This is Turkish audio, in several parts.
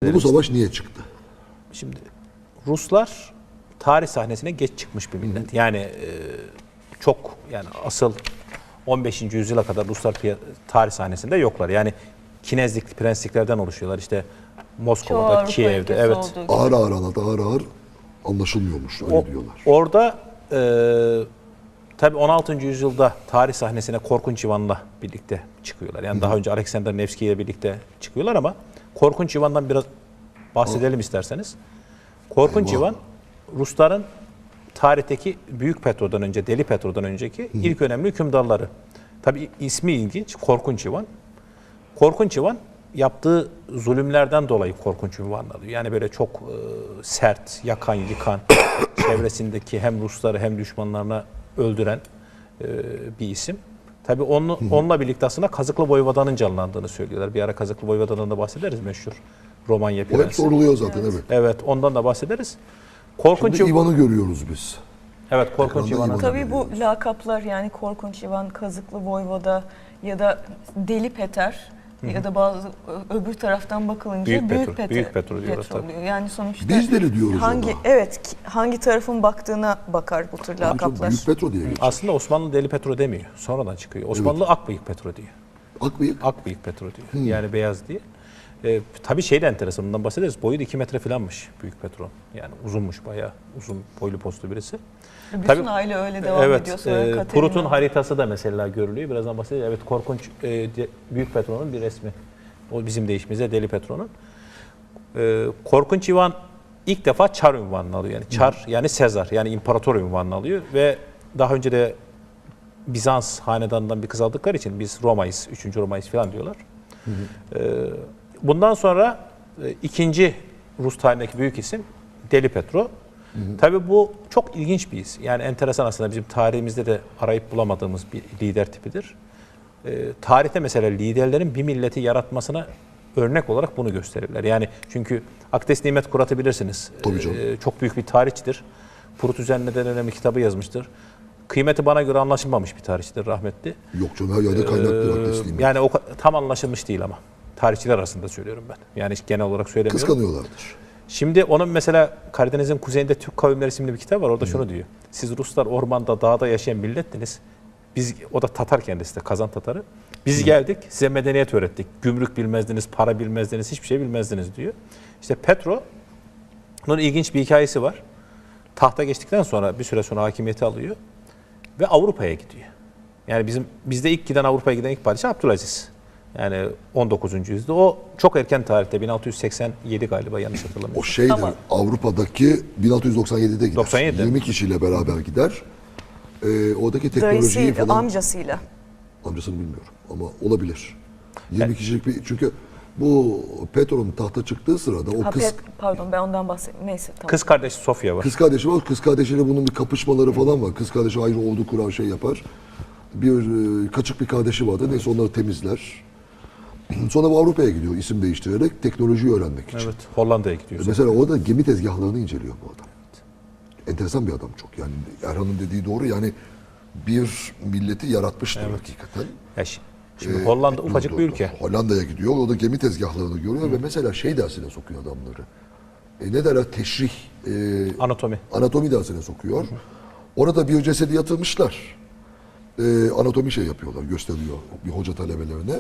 Bu savaş niye çıktı? Şimdi Ruslar tarih sahnesine geç çıkmış bir millet. Yani çok, yani asıl 15. yüzyıla kadar Ruslar tarih sahnesinde yoklar. Yani kinezlik prensliklerden oluşuyorlar. İşte Moskova'da, Kiev'de. Evet. Ağır ağır anlaşılmıyormuş, öyle diyorlar. Orada tabii 16. yüzyılda tarih sahnesine Korkunç Ivan'la birlikte çıkıyorlar. Yani daha önce Alexander Nevski ile birlikte çıkıyorlar ama Korkunç Ivan'dan biraz bahsedelim isterseniz. Korkunç Ivan, Rusların tarihteki Büyük Petro'dan önce, Deli Petro'dan önceki ilk önemli hükümdarları. Tabii ismi ilginç, Korkunç Ivan. Korkunç Ivan yaptığı zulümlerden dolayı Korkunç Ivan alıyor. Yani böyle çok sert, yakan, yıkan, çevresindeki hem Rusları hem düşmanlarına öldüren bir isim. Tabii onunla birlikte aslında Kazıklı Voyvoda'nın canlandığını söylüyorlar. Bir ara Kazıklı Voyvoda'dan da bahsederiz, meşhur Romanya Prensi. O hep soruluyor zaten, evet. Evet, ondan da bahsederiz. Korkunç Şimdi Ivan'ı görüyoruz biz. Evet, Korkunç Ivan'ı. Tabii bu lakaplar, yani Korkunç Ivan, Kazıklı Voyvoda ya da Deli Peter ya da bazı öbür taraftan bakılınca Büyük Petro diyorlar tabii. oluyor. Yani sonuçta Biz deli diyoruz ona. Evet, hangi tarafın baktığına bakar bu tür lakaplar. Büyük Petro diye geçiyor. Aslında Osmanlı Deli Petro demiyor. Sonradan çıkıyor. Osmanlı Akbıyık Petro diyor. Akbıyık Petro diyor. Yani beyaz diye. Tabii şey de enteresan, bundan bahsederiz. Boyu da 2 metre falanmış Büyük Petro. Yani uzunmuş, bayağı uzun boylu postlu birisi. Bütün tabii, aile öyle devam ediyor. Sonra Prut'un haritası da mesela görülüyor. Birazdan bahsedeceğiz. Evet, Korkunç Büyük Petro'nun bir resmi. O bizim deyişimizde Deli Petro'nun. Korkunç Ivan ilk defa Çar unvanını alıyor. Yani Çar yani Sezar, yani imparator unvanını alıyor ve daha önce de Bizans hanedanından bir kız aldıkları için biz Roma'yız, 3. Roma'yız falan diyorlar. Bundan sonra ikinci Rus tarihindeki büyük isim Deli Petro. Tabii bu çok ilginç bir isim. Yani enteresan, aslında bizim tarihimizde de arayıp bulamadığımız bir lider tipidir. Tarihte mesela liderlerin bir milleti yaratmasına örnek olarak bunu gösterirler. Yani çünkü Akdes Nimet Kurat'ı bilirsiniz. Çok büyük bir tarihçidir. Prut üzerine de önemli kitabı yazmıştır. Kıymeti bana göre anlaşılmamış bir tarihçidir, rahmetli. Yok canım, her yerde kaynaklı Akdes Nimet. Yani tam anlaşılmış değil ama. Tarihçiler arasında söylüyorum ben. Yani genel olarak söylemiyorum. Kıskanıyorlardır. Şimdi onun mesela Karadeniz'in kuzeyinde Türk Kavimleri isimli bir kitap var. Orada şunu diyor. Siz Ruslar ormanda, dağda yaşayan millettiniz. O da Tatar kendisi de, Kazan Tatarı. Biz geldik, size medeniyet öğrettik. Gümrük bilmezdiniz, para bilmezdiniz, hiçbir şey bilmezdiniz diyor. İşte Petro'nun ilginç bir hikayesi var. Tahta geçtikten sonra bir süre sonra hakimiyeti alıyor ve Avrupa'ya gidiyor. Yani bizde ilk giden, Avrupa'ya giden ilk padişah Abdülaziz. Yani 19. yüzyılda. O çok erken tarihte, 1687 galiba, yanlış hatırlamıyorum. O şeydir, Avrupa'daki 1697'de gider. 97. 20 kişiyle beraber gider. Oradaki teknolojiyi Dayısıyla, falan... amcasıyla. Amcasını bilmiyorum ama olabilir. 20 kişilik bir... Çünkü bu Petro'nun tahta çıktığı sırada o Pardon, ben ondan bahsettim. Neyse, tamam. Kız kardeşi Sofya var. Kız kardeşi var. Kız kardeşiyle bunun bir kapışmaları falan var. Kız kardeşi ayrı ordu kurar, şey yapar. Kaçık bir kardeşi vardı. Neyse, onları temizler. Sonra bu Avrupa'ya gidiyor isim değiştirerek teknolojiyi öğrenmek için. Evet, Hollanda'ya gidiyor. Mesela orada gemi tezgahlarını inceliyor bu adam. Enteresan bir adam çok. Yani Erhan'ın dediği doğru. Yani bir milleti yaratmıştır hakikaten. Şimdi Hollanda ufacık bir ülke. Hollanda'ya gidiyor. Orada gemi tezgahlarını görüyor ve mesela şey dersine sokuyor adamları. Ne derler? Teşrih. Anatomi dersine sokuyor. Orada bir cesedi yatırmışlar. Anatomi şey yapıyorlar, gösteriyor bir hoca talebelerine.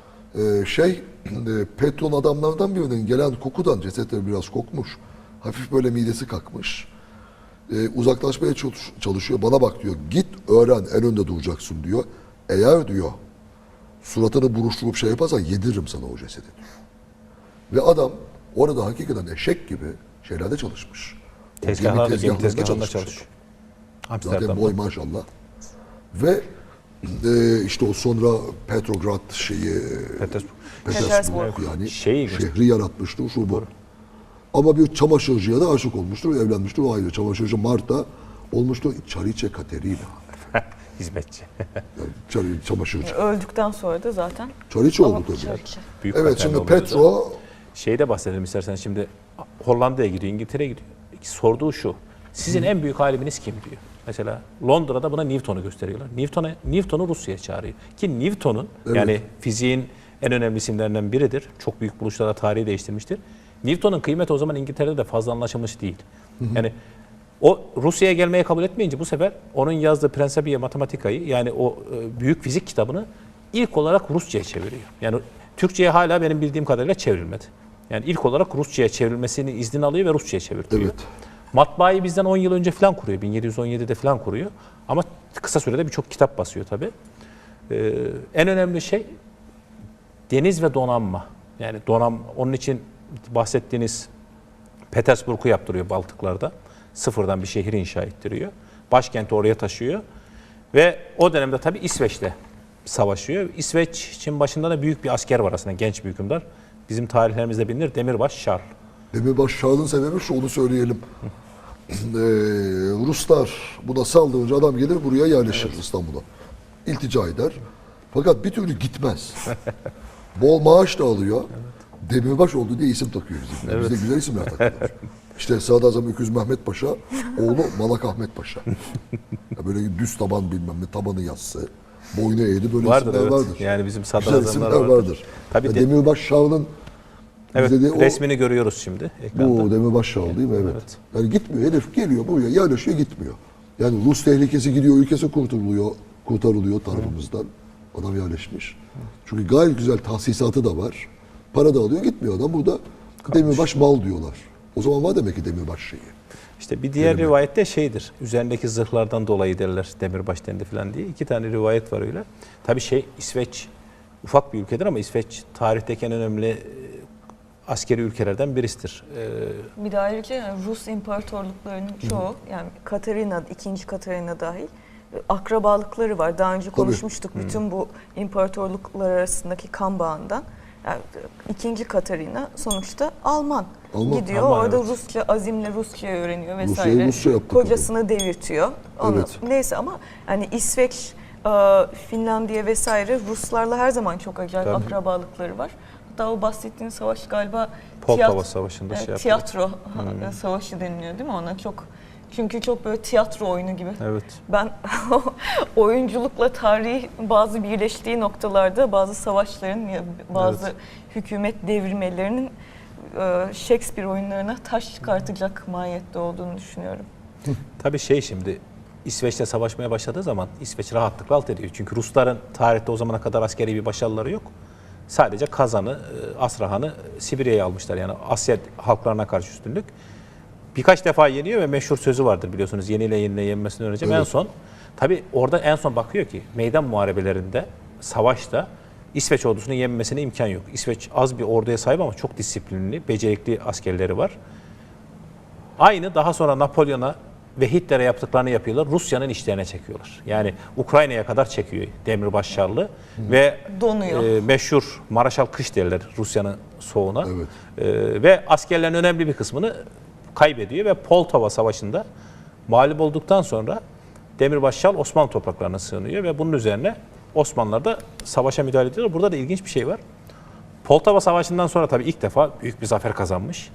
Petro'nun adamlardan birinin gelen kokudan cesetler biraz kokmuş. Hafif böyle midesi kalkmış. Uzaklaşmaya çalışıyor. Bana bak diyor. Git öğren, en önde duracaksın diyor. Eğer diyor suratını buruşturup şey yaparsan yediririm sana o cesedi diyor. Ve adam orada hakikaten eşek gibi şeylerde çalışmış. Tezgahlarda çalışmış. Zaten boy maşallah. Ve işte o sonra Petrograd Petersburg yani şehri yaratmıştır şu bu. Ama bir çamaşırcıya da aşık olmuştur, evlenmiştir, o ayrı. Çamaşırcı Marta olmuştur, Çariçe Katerina. Hizmetçi. Yani çamaşırcı. Öldükten sonra da zaten. Çariçe oldu tabii. Evet, şimdi Petro... Şeyde bahsedelim istersen, şimdi Hollanda'ya gidiyor, İngiltere'ye gidiyor. Sorduğu şu, sizin en büyük aliminiz kim diyor. Mesela Londra'da buna Newton'u gösteriyorlar. Newton'u Rusya'ya çağırıyor. Ki Newton'un yani fiziğin en önemli isimlerinden biridir. Çok büyük buluşlarla tarihi değiştirmiştir. Newton'un kıymeti o zaman İngiltere'de de fazla anlaşılmış değil. Yani o Rusya'ya gelmeye kabul etmeyince bu sefer onun yazdığı Principia Mathematica'yı, yani o büyük fizik kitabını ilk olarak Rusça'ya çeviriyor. Yani Türkçe'ye hala benim bildiğim kadarıyla çevrilmedi. Yani ilk olarak Rusça'ya çevrilmesini izni alıyor ve Rusça'ya çevirtiyor. Evet. Matbaayı bizden 10 yıl önce falan kuruyor. 1717'de falan kuruyor. Ama kısa sürede birçok kitap basıyor tabii. En önemli şey deniz ve donanma. Yani onun için bahsettiğiniz Petersburg'u yaptırıyor Baltıklarda. Sıfırdan bir şehir inşa ettiriyor. Başkenti oraya taşıyor. Ve o dönemde tabii İsveç'le savaşıyor. İsveç için başında da büyük bir asker var aslında, genç bir hükümdar. Bizim tarihlerimizde bilinir, Demirbaş Charles. Demirbaş Charles'ın sebebi şu, onu söyleyelim. Ruslar buna saldırınca adam gelir buraya yerleşir, İstanbul'a. İltica eder. Fakat bir türlü gitmez. Bol maaş da alıyor. Demirbaş oldu diye isim takıyor bizimkiler. Evet. Bizde güzel isimler takıyorlar. İşte Sadrazam Öküz Mehmet Paşa, oğlu Malak Ahmet Paşa. Ya böyle düz taban bilmem ne, tabanı yassı, boynu eğri, böyle Vardır, isimler evet. vardır. Yani bizim Güzel sadrazamlar isimler vardır. Tabii Ya Demirbaş Charles'ın evet, bize de o, resmini görüyoruz şimdi ekranda. bu Demirbaş Charles değil mi? Evet. Evet. Yani gitmiyor. Herif geliyor buraya yerleşiyor, gitmiyor. Yani Rus tehlikesi gidiyor, ülkesi kurtarılıyor tarafımızdan. Adam yerleşmiş. Çünkü gayet güzel tahsisatı da var. Para da alıyor, gitmiyor adam. Burada Demirbaş mal diyorlar. O zaman var demek ki Demirbaş şeyi. İşte bir diğer rivayette şeydir, üzerindeki zırhlardan dolayı derler Demirbaş dendi falan diye. 2 tane rivayet var öyle. Tabii İsveç ufak bir ülkedir ama İsveç tarihteki en önemli askeri ülkelerden birisidir. Bir de ayrıca yani Rus imparatorluklarının çoğu, yani Katarina, 2. Katarina dahil akrabalıkları var. Daha önce konuşmuştuk bütün bu imparatorluklar arasındaki kan bağından. Yani 2. Katarina sonuçta Alman. Gidiyor Alman, orada evet. Rusça, azimle Rusça öğreniyor vesaire. Rusya'yı Rusça yaptı Kocasını devirtiyor. Evet. Neyse ama yani İsveç, Finlandiya vesaire Ruslarla her zaman çok acayip Tabii. akrabalıkları var. Hatta o bahsettiğin savaş galiba Poltava Savaşı'nda şey yapıyor. tiyatro savaşı deniliyor değil mi ona? Çünkü çok böyle tiyatro oyunu gibi. Evet. Ben oyunculukla tarihi bazı birleştiği noktalarda bazı savaşların ya bazı hükümet devirmelerinin Shakespeare oyunlarına taş çıkartacak mahiyette olduğunu düşünüyorum. Tabii şimdi İsveç'te savaşmaya başladığı zaman İsveç rahatlıkla alt ediyor. Çünkü Rusların tarihte o zamana kadar askeri bir başarıları yok. Sadece Kazan'ı, Astrahan'ı Sibirya'ya almışlar. Yani Asya halklarına karşı üstünlük. Birkaç defa yeniyor ve meşhur sözü vardır biliyorsunuz. Yeniyle yenmesini öğreneceğim. Evet. En son, tabii orada en son bakıyor ki meydan muharebelerinde, savaşta İsveç ordusunun yenmesine imkan yok. İsveç az bir orduya sahip ama çok disiplinli, becerikli askerleri var. Aynı daha sonra Napolyon'a ve Hitler'e yaptıklarını yapıyorlar. Rusya'nın işlerine çekiyorlar. Yani Ukrayna'ya kadar çekiyor Demirbaş Charles ve Donuyor. meşhur Maraşal Kış derler Rusya'nın soğuğuna. Evet. Ve askerlerin önemli bir kısmını kaybediyor ve Poltava Savaşı'nda mağlup olduktan sonra Demirbaş Charles Osmanlı topraklarına sığınıyor ve bunun üzerine Osmanlılar da savaşa müdahale ediyorlar. Burada da ilginç bir şey var. Poltava Savaşı'ndan sonra tabii ilk defa büyük bir zafer kazanmış.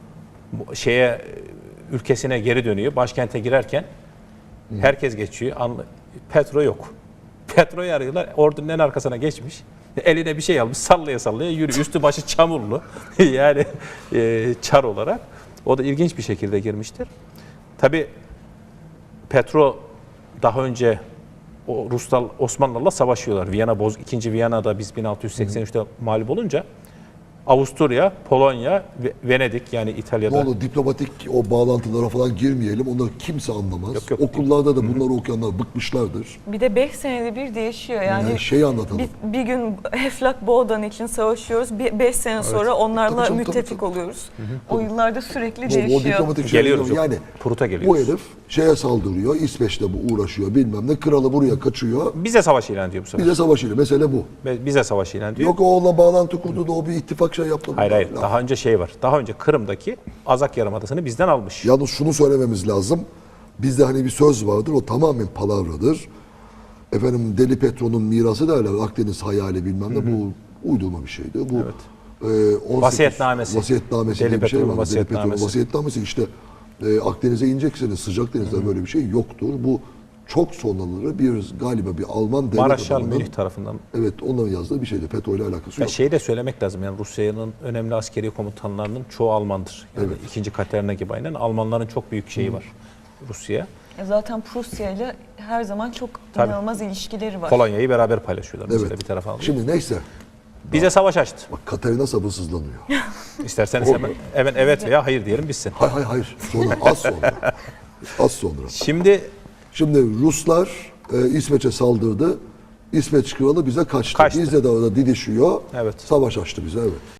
Ülkesine geri dönüyor. Başkente girerken herkes geçiyor. Petro yok. Petro'yu arıyorlar. Ordunun en arkasına geçmiş. Eline bir şey almış. Sallaya sallaya yürüyor. Üstü başı çamurlu. Yani çar olarak. O da ilginç bir şekilde girmiştir. Tabii Petro daha önce Ruslar Osmanlılarla savaşıyorlar. 2. Viyana'da biz 1683'te mağlup olunca Avusturya, Polonya, Venedik yani İtalya'da. Ne olur diplomatik o bağlantılara falan girmeyelim. Onları kimse anlamaz. Yok. Okullarda da bunları okuyanlar bıkmışlardır. Bir de 5 senede bir değişiyor. Yani Şeyi anlatalım. bir gün Eflak Boğdan için savaşıyoruz. 5 sene sonra onlarla Tabii, müttefik oluyoruz. O yıllarda sürekli O değişiyor. diplomatik şey Geliyoruz yok. yani Prut'a bu geliyoruz. herif şeye saldırıyor. İsveç'te bu uğraşıyor bilmem ne. Kralı buraya kaçıyor. Bize savaş ilan ediyor bu sefer. Bize savaşıyor. Mesele bu. Bize savaş ilan ediyor. Yok o onunla bağlantı kurdu da o bir ittifak şey yaptı. Hayır. Ya. Daha önce var. Daha önce Kırım'daki Azak Yarımadası'nı bizden almış. Yalnız şunu söylememiz lazım. Bizde hani bir söz vardır. O tamamen palavradır. Efendim Deli Petro'nun mirası derler. Akdeniz hayali bilmem ne. Bu uydurma bir şeydi. Bu 18 Vasiyetnamesi. Vasiyetnamesi Deli diye bir şey Petro'nun var. Deli Petro'nun vasiyetnamesi. vasiyetnamesi işte Akdeniz'e ineceksiniz. Sıcak denizde böyle bir şey yoktur. Bu çok sonraları galiba bir Alman devlet Maraşal adamının, Münih tarafından. evet, onların yazdığı bir şeydi. FETÖ ile alakası Ya yok. şeyi de söylemek lazım, yani Rusya'nın önemli askeri komutanlarının çoğu Almandır. Yani Evet. 2. Katerina gibi aynen. Almanların çok büyük şeyi var Rusya'ya. Zaten Prusya ile her zaman çok Tabii. inanılmaz ilişkileri var. Polonya'yı beraber paylaşıyorlar mesela, Evet. bir tarafa alıyor. Şimdi neyse. Bize savaş açtı. Bak Katerina sabırsızlanıyor. İsterseniz hemen evet veya hayır diyelim bitsin. Hayır. Sonra, az sonra. Az sonra. Şimdi Ruslar İsveç'e saldırdı. İsveç kralı bize kaçtı. Kaçtı. Bizle de orada didişiyor. Evet. Savaş açtı bize, evet.